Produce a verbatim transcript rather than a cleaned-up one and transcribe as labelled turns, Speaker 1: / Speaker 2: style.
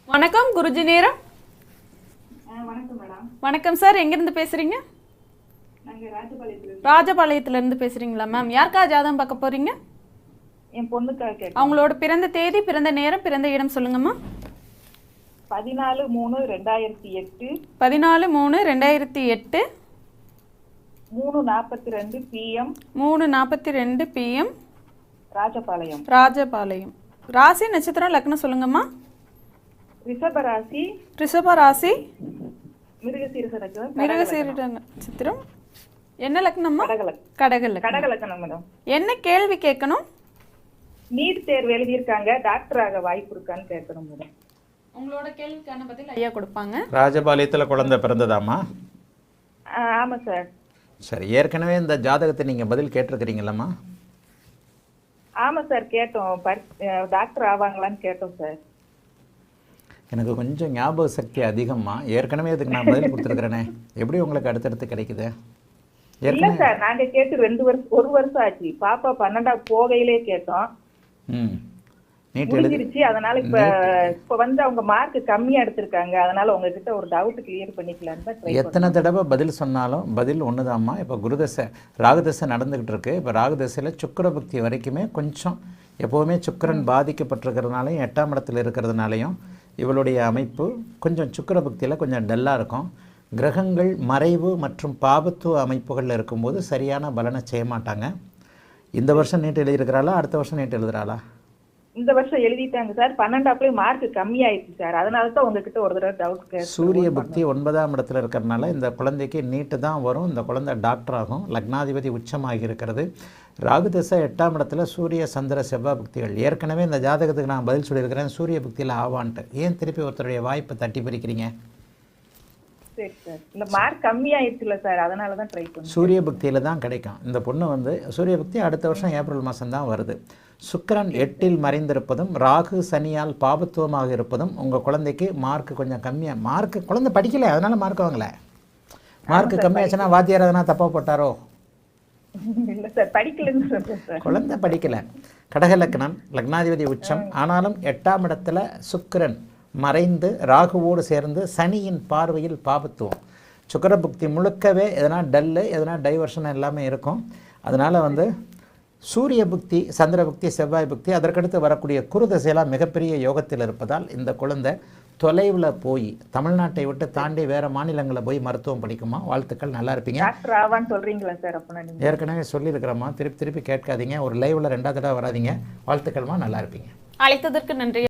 Speaker 1: வணக்கம் குருஜி நேரம்.
Speaker 2: வணக்கம் மேடம்.
Speaker 1: வணக்கம் சார், எங்கிருந்து பேசுறீங்க?
Speaker 2: நாங்க ராஜபாளையத்துல
Speaker 1: ராஜபாளையத்துல இருந்து பேசுறீங்களா மேம்? யாருக்கா ஜாதகம் பார்க்க போறீங்க?
Speaker 2: என் பொண்ணுக்காக கேட்டேன்.
Speaker 1: அவங்களோட பிறந்த தேதி, பிறந்த நேரம், பிறந்த இடம் சொல்லுங்கம்மா.
Speaker 2: பதினாலு மூணு ரெண்டாயிரத்தி எட்டு
Speaker 1: பதினாலு மூணு ரெண்டாயிரத்தி எட்டு
Speaker 2: மூணு நாற்பத்தி ரெண்டு பிஎம்
Speaker 1: மூணு நாற்பத்தி ரெண்டு பிஎம்
Speaker 2: ராஜபாளையம்.
Speaker 1: ராஜபாளையம். ராசி நட்சத்திரம் லக்னம் சொல்லுங்கம்மா.
Speaker 2: ரிஷப ராசி,
Speaker 1: ரிஷப ராசி,
Speaker 2: மிருகசீரிஷ நட்சத்திரம்,
Speaker 1: மிருகசீரிட நட்சத்திரம். என்ன லக்னம்மா?
Speaker 2: கடகலக்
Speaker 1: கடக லக்னம்.
Speaker 2: கடகலக்கணம் மேடம்.
Speaker 1: என்ன கேள்வி கேட்கணும்?
Speaker 2: நீட் தேர்வு எழுதியிருக்காங்க, டாக்டர் ஆக வாய்ப்பு இருக்கான்னு கேட்கணும் மேடம்.
Speaker 1: உங்களோட கேள்விக்கான பதில் ஐயா கொடுப்பாங்க.
Speaker 3: ராஜபாளையத்தில் குழந்தை பிறந்ததாம்மா?
Speaker 2: ஆ, ஆமா சார்.
Speaker 3: சரி, ஏற்கனவே இந்த ஜாதகத்தை நீங்கள் பதில் கேட்டிருக்கிறீங்களம்மா?
Speaker 2: ஆமா சார், கேட்டோம். டாக்டர் ஆவாங்களான்னு கேட்டோம் சார்.
Speaker 3: எனக்கு கொஞ்சம் ஞாபக சக்தி அதிகம்மா. ஏற்கனவே அதுக்கு நான் பதில் கொடுத்துருக்குறேனே, எப்படி உங்களுக்கு அடுத்தடுத்து கிடைக்குது?
Speaker 2: இல்ல சார், நாங்க கேட்டு ரெண்டு வருஷம் ஒரு வருஷம் ஆச்சு. பாப்பா பன்னெண்டாவது போகையிலே கேட்டோம்.
Speaker 3: ம் நீட் எழுதி
Speaker 2: முடிஞ்சிருச்சு. அதனால இப்ப இப்ப வந்து அவங்க மார்க் கம்மியா எடுத்திருக்காங்க. அதனால உங்ககிட்ட ஒரு டவுட் கிளியர் பண்ணிக்கலான்னு தான் ட்ரை பண்ணேன்.
Speaker 3: எத்தனை தடவை பதில் சொன்னாலும் பதில் ஒண்ணுதாம்மா. இப்போ குருதசை ராகுதசை நடந்துகிட்டு இருக்கு. இப்போ ராகுதசையில் சுக்கிர பக்தி வரைக்குமே கொஞ்சம் எப்போவுமே சுக்கிரன் பாதிக்கப்பட்டிருக்கிறதுனாலையும் எட்டாம் இடத்துல இருக்கிறதுனாலையும் இவளுடைய அமைப்பு கொஞ்சம் சுக்கிர பக்தியில் கொஞ்சம் டல்லாக இருக்கும். கிரகங்கள் மறைவு மற்றும் பாபத்துவ அமைப்புகளில் இருக்கும்போது சரியான பலனை செய்ய மாட்டாங்க. இந்த வருஷம் நீட் எழுதியிருக்கிறாளா, அடுத்த வருஷம் நீட் எழுதுறாளா?
Speaker 2: இந்த வருஷம் எழுதிட்டாங்க சார். பன்னெண்டாப்லயே மார்க் கம்மி ஆயிடுச்சு சார். அதனால தான் உங்ககிட்ட ஒரு தடவை டவுட் கேட்டேன்.
Speaker 3: சூரிய பக்தி ஒன்பதாம் இடத்துல இருக்கிறதுனால இந்த குழந்தைக்கு நீட்டு தான் வரும். இந்த குழந்தை டாக்டர் ஆகும். லக்னாதிபதி உச்சமாகி இருக்கிறது. ராகுதசை எட்டாம் இடத்துல சூரிய சந்திர செவ்வாய் பக்திகள். ஏற்கனவே இந்த ஜாதகத்துக்கு நான் பதில் சொல்லியிருக்கிறேன், சூரிய பக்தியில் ஆவான்ட்டு. ஏன் திருப்பி ஒருத்தருடைய வாய்ப்பை தட்டி பறிக்கிறீங்க?
Speaker 2: சரி சார், இந்த மார்க் கம்மி ஆயிடுச்சுல சார், அதனால தான் ட்ரை பண்ணேன்.
Speaker 3: சூரிய பக்தியில் தான் கிடைக்கும். இந்த பொண்ணு வந்து சூரிய பக்தி அடுத்த வருஷம் ஏப்ரல் மாதம் தான் வருது. சுக்கிரன் எட்டில் மறைந்திருப்பதும் ராகு சனியால் பாபத்துவமாக இருப்பதும் உங்கள் குழந்தைக்கு மார்க் கொஞ்சம் கம்மியாக, மார்க் குழந்தை படிக்கலை அதனால மார்க் வாங்கலை. மார்க் கம்மியாச்சுன்னா வாத்தியார் எதனா தப்பாக போட்டாரோ?
Speaker 2: இல்லை சார், படிக்கலன்னு சொல்றேன் சார்.
Speaker 3: குழந்தை படிக்கலை. கடக லக்னம், லக்னாதிபதி உச்சம். ஆனாலும் எட்டாம் இடத்துல சுக்கிரன் மறைந்து ராகுவோடு சேர்ந்து சனியின் பார்வையில் பாபத்துவம். சுக்கிர புக்தி முழுக்கவே எதனா டல்லு எதனா டைவர்ஷன் எல்லாமே இருக்கும். அதனால் வந்து சூரிய புக்தி, சந்திர புக்தி, செவ்வாய் புக்தி, அதற்கடுத்து வரக்கூடிய குருதசையெல்லாம் மிகப்பெரிய யோகத்தில் இருப்பதால் இந்த குழந்தை தொலைவில் போய் தமிழ்நாட்டை விட்டு தாண்டி வேறு மாநிலங்களில் போய் மருத்துவம் படிக்குமா. வாழ்த்துக்கள், நல்லா இருப்பீங்க.
Speaker 2: டாக்டர் ஆவான்னு சொல்றீங்களா சார்? அப்போ நான்
Speaker 3: ஏற்கனவே சொல்லியிருக்கிறோம்மா, திருப்பி திருப்பி கேட்காதீங்க. ஒரு லைவில் ரெண்டாவது தடவை வராதிங்க. வாழ்த்துக்கள்மா, நல்லா இருப்பீங்க.
Speaker 1: அழைத்ததற்கு நன்றி.